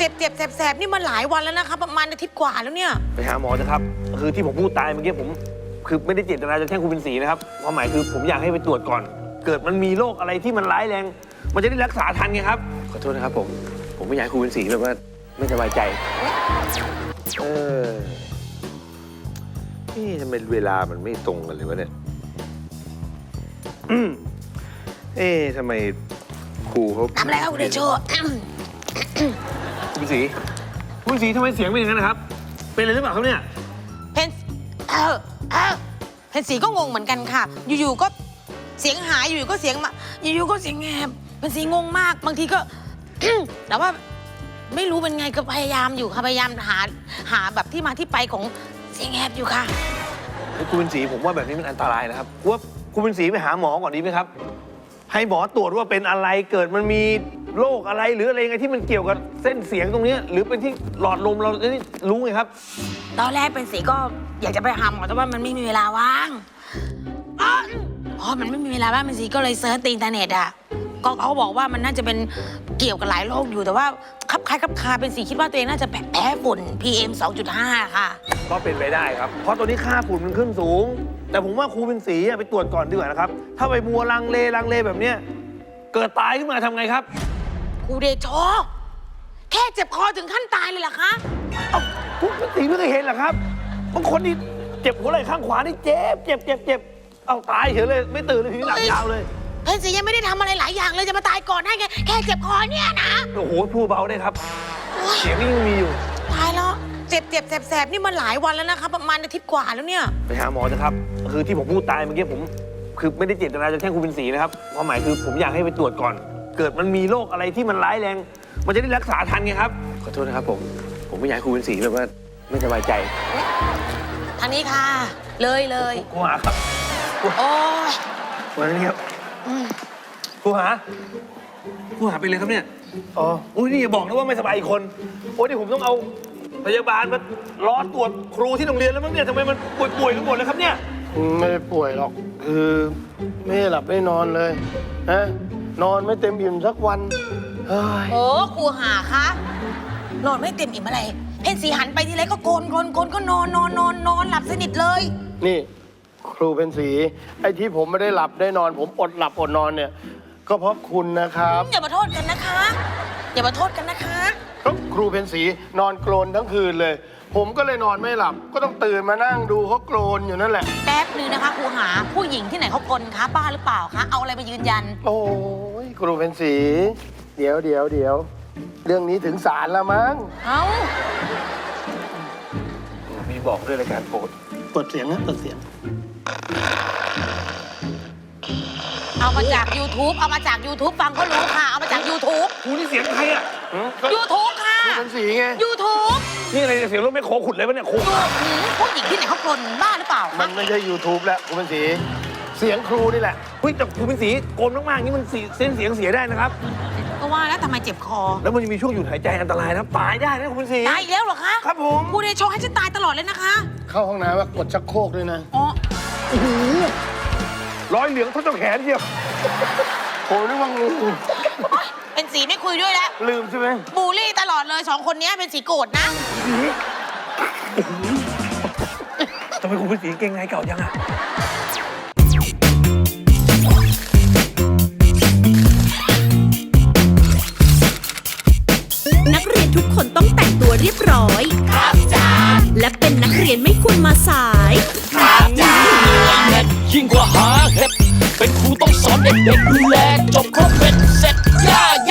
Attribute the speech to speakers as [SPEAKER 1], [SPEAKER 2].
[SPEAKER 1] เจ็บแสบๆนี่มาหลายวันแล้วนะคะประมาณอาทิตย์กว่าแล้วเนี่ย
[SPEAKER 2] ไปหาหมอเถอะครับคือที่ผมพูดตายเมื่อกี้ผมคือไม่ได้เจตนาจะแช่งคุณเป็นศรีนะครับความหมายคือผมอยากให้ไปตรวจก่อน เกิดมันมีโรคอะไรที่มันร้ายแรงมันจะได้รักษาทันไงครับขอโทษนะครับผมไม่อยากให้คุณเป็นศรีแบบว่าไม่สบายใจนี่ทำไมเวลามันไม่ตรงกันเลยวะเนี่ยทำไมครูเขา
[SPEAKER 1] ทำอะไรครับคุณเดโช
[SPEAKER 2] คุณศรีทำไมเสียงเป็นอย่างนั้นนะครับเป็นอะไรหรือเปล่าครับเนี่ย
[SPEAKER 1] เพนสีก็งงเหมือนกันค่ะอยู่ๆก็เสียงหายอยู่ๆก็เสียงมาอยู่ๆก็เสียงแหบเพนสีงงมากบางทีก็ แต่ว่าไม่รู้เป็นไงก็พยายามอยู่ค่ะพยายามหาแบบที่มาที่ไปของเสียงแหบอยู่ค่ะ
[SPEAKER 2] คุณเป็นศรีผมว่าแบบนี้มันอันตรายนะครับว่าคุณเป็นศรีไปหาหมอก่อนดีไหมครับให้หมอตรวจว่าเป็นอะไรเกิดมันมีโรคอะไรหรืออะไรไงที่มันเกี่ยวกับเส้นเสียงตรงนี้หรือเป็นที่หลอดลมเราได้รู้ไงครับ
[SPEAKER 1] ตอนแรกเป็นสีก็อยากจะไปหาหมอแต่ว่ามันไม่มีเวลาว่างพอมันไม่มีเวลาว่างเป็นสีก็เลยเซิร์ชในอินเทอร์เน็ตอ่ะก็เขาบอกว่ามันน่าจะเป็นเกี่ยวกับหลายโรคอยู่แต่ว่าคับคาเป็นสีคิดว่าตัวเองน่าจะแพ้ฝุ่น PM 2.5 ค่ะ
[SPEAKER 2] ก็เป็นไปได้ครับเพราะตัวนี้ค่าฝุ่นมันขึ้นสูงแต่ผมว่าครูเป็นศรีไปตรวจก่อนดีกว่านะครับถ้าไปมัวลังเลแบบเนี้ยเกิดตายขึ้นมาทำไงครับ
[SPEAKER 1] ครูเดโชแค่เจ็บคอถึงขั้นตายเลยเหรอคะ
[SPEAKER 2] เอ้าครูเป็นศรีไม่เคยเห็นเหรอครับบางคนนี่เจ็บหัวไหล่ข้างขวานี่เจ็บเอาตายเฉยเลยไม่ตื่นเลยทีนี้หลับยาวเลย
[SPEAKER 1] เพนสียังไม่ได้ทำอะไรหลายอย่างเลยจะมาตายก่อนได้ไงแค่เจ็บคอเนี่ยนะ
[SPEAKER 2] โอ้โหพูดเบาได้ครับเสียงนี่ยังมีอยู่
[SPEAKER 1] ตายแล้วเจ็บแสบนี่มาหลายวันแล้วนะคะประมาณอาทิตย์กว่าแล้วเนี่ย
[SPEAKER 2] ไปหาหมอเถอะครับคือที่ผมพูดตายเมื่อกี้ผมคือไม่ได้เจตนาจะแช่งคุณเป็นศรีนะครับความหมายคือผมอยากให้ไปตรวจก่อน เกิดมันมีโรคอะไรที่มันร้ายแรงมันจะได้รักษาทันไงครับขอโทษนะครับผมไม่อยากให้คุณเป็นศรีแบบว่าไม่สบายใจ
[SPEAKER 1] ทางนี้ค่ะเลย
[SPEAKER 2] ครูหาครับ
[SPEAKER 1] โอ้ย
[SPEAKER 2] วันนี้ครับครูหาเป็นเลยครับเนี่ยอ๋ออุ้ยนี่อย่าบอกนะว่าไม่สบายอีกคนโอ้ยนี่ผมต้องเอาพยาบาลมารอตรวจครูที่โรงเรียนแล้วมั้งเนี่ยทำไมมันป่วยกันหมดเลยครับเนี่ย
[SPEAKER 3] ไม่ได้ป่วยหรอกคือไม่หลับไม่นอนเลยนะนอนไม่เต็มอิ่มสักวัน
[SPEAKER 1] โอ้ครูหาคะนอนไม่เต็มอิ่มอะไรเพนสีหันไปทีไรก็โกนก็นอนหลับสนิทเลย
[SPEAKER 3] นี่ครูเป็นสีไอ้ที่ผมไม่ได้หลับได้นอนผมอดหลับอดนอนเนี่ยก็เพราะคุณนะครับ
[SPEAKER 1] อย่ามาโทษกันนะคะ
[SPEAKER 3] ก็ครูเป็นสีนอนโกรนทั้งคืนเลยผมก็เลยนอนไม่หลับก็ต้องตื่นมานั่งดูเขาโกรนอยู่นั่นแหละ
[SPEAKER 1] แป๊บนึงนะคะครูหาผู้หญิงที่ไหนเขากลนคะบ้าหรือเปล่าคะเอาอะไรมายืนยัน
[SPEAKER 3] โอ้ยครูเป็นสีเดี๋ยวเรื่องนี้ถึงศาลแล้วมั้ง
[SPEAKER 2] มีบอกด้วยรายการ
[SPEAKER 3] เปิดเสียงนะเปิดเสียง
[SPEAKER 1] เอามาจาก YouTube ฟังก็รู้ค่ะเอามาจาก YouTube
[SPEAKER 2] ครูนี่เสียงใครอ่ะ
[SPEAKER 1] YouTube ค่ะ
[SPEAKER 3] ครูเป็นสีไง
[SPEAKER 1] YouTube
[SPEAKER 2] นี่อะไรเสียงรถไม่โคขุดเลยวะเนี่ยครู
[SPEAKER 1] ผู้หญิงที่ไหนเขากลนบ้าหรือเปล่า
[SPEAKER 3] มันไม่ใช่ YouTube แล้วครูเป็นสีเสียงครูนี่แหละ
[SPEAKER 2] เฮ้ยแต่ครูเป็นสีโกนมากๆนี่มันเส้นเสียงเสียได้นะครับ
[SPEAKER 1] ก็ว่าแล้วทำไมเจ็บคอ
[SPEAKER 2] แล้วมันจะมีช่วงหยุดหายใจอันตรายนะตายได้นะคุณศรี
[SPEAKER 1] ตายอีกแล้วเหรอคะ
[SPEAKER 2] ครับผม
[SPEAKER 1] ครูเดโชให้ฉันตายตลอดเลยนะคะ
[SPEAKER 3] เข้าห้องน้ำว่ากดชักโครกด้วยนะ
[SPEAKER 1] อ๋อ
[SPEAKER 2] รอยเหลืองทั้งแขนเดียว
[SPEAKER 3] โหนึกว่างู
[SPEAKER 1] เป็นสีไม่คุยด้วยแล้ว
[SPEAKER 3] ลืมใช่ไหม
[SPEAKER 1] บูลลี่ตลอดเลย2คนนี้เป็นสีโกรธนะ
[SPEAKER 2] ทำไมคุณเป็นสีเก่งไงเก่ายังอ่ะ
[SPEAKER 4] นักเรียนทุกคนต้องแต่งตัวเรียบร้อยครับจ้าและเป็นนักเรียนไม่ควรมาสาย
[SPEAKER 5] ครับจ้ายิ่งกว่าหาเห็ดเป็นครูต้องสอนเด็กๆดูแลจบครบเป็นเสร็จย่า